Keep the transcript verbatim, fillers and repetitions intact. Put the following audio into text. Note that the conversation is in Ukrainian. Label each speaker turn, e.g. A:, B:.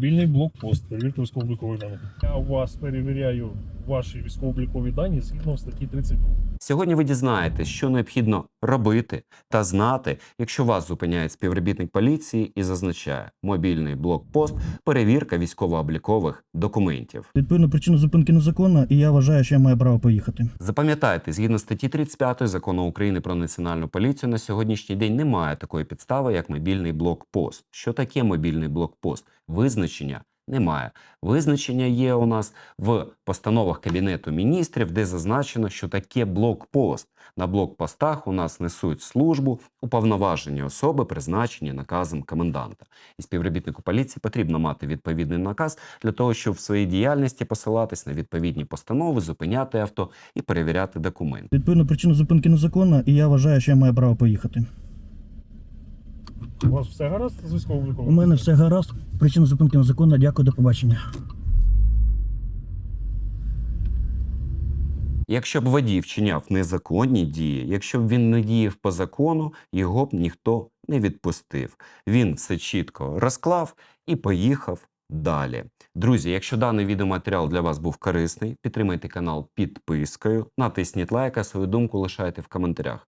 A: Мобільний блокпост, перевірка військово-облікових даних. Я у вас перевіряю ваші військово-облікові дані згідно статті тридцять два.
B: Сьогодні ви дізнаєтесь, що необхідно робити та знати, якщо вас зупиняє співробітник поліції і зазначає мобільний блокпост, перевірка військово-облікових документів.
C: Відповідно, причина зупинки незаконна, і я вважаю, що я маю право поїхати.
B: Запам'ятайте, згідно статті тридцять п'ять Закону України про національну поліцію, на сьогоднішній день немає такої підстави, як мобільний блокпост. Що таке мобільний блокпост? Визначення немає. Визначення є у нас в постановах Кабінету міністрів, де зазначено, що таке блокпост. На блокпостах у нас несуть службу уповноважені особи, призначені наказом коменданта. І співробітнику поліції потрібно мати відповідний наказ для того, щоб в своїй діяльності посилатись на відповідні постанови, зупиняти авто і перевіряти документи.
C: Відповідно, причина зупинки незаконна, і я вважаю, що я маю право поїхати.
A: У вас все гаразд з військово-обліковим?
C: У мене все гаразд, причина зупинки незаконна, дякую, до побачення.
B: Якщо б водій вчиняв незаконні дії, якщо б він не діяв по закону, його б ніхто не відпустив. Він все чітко розклав і поїхав далі. Друзі, якщо даний відеоматеріал для вас був корисний, підтримайте канал підпискою, натисніть лайк, а свою думку лишайте в коментарях.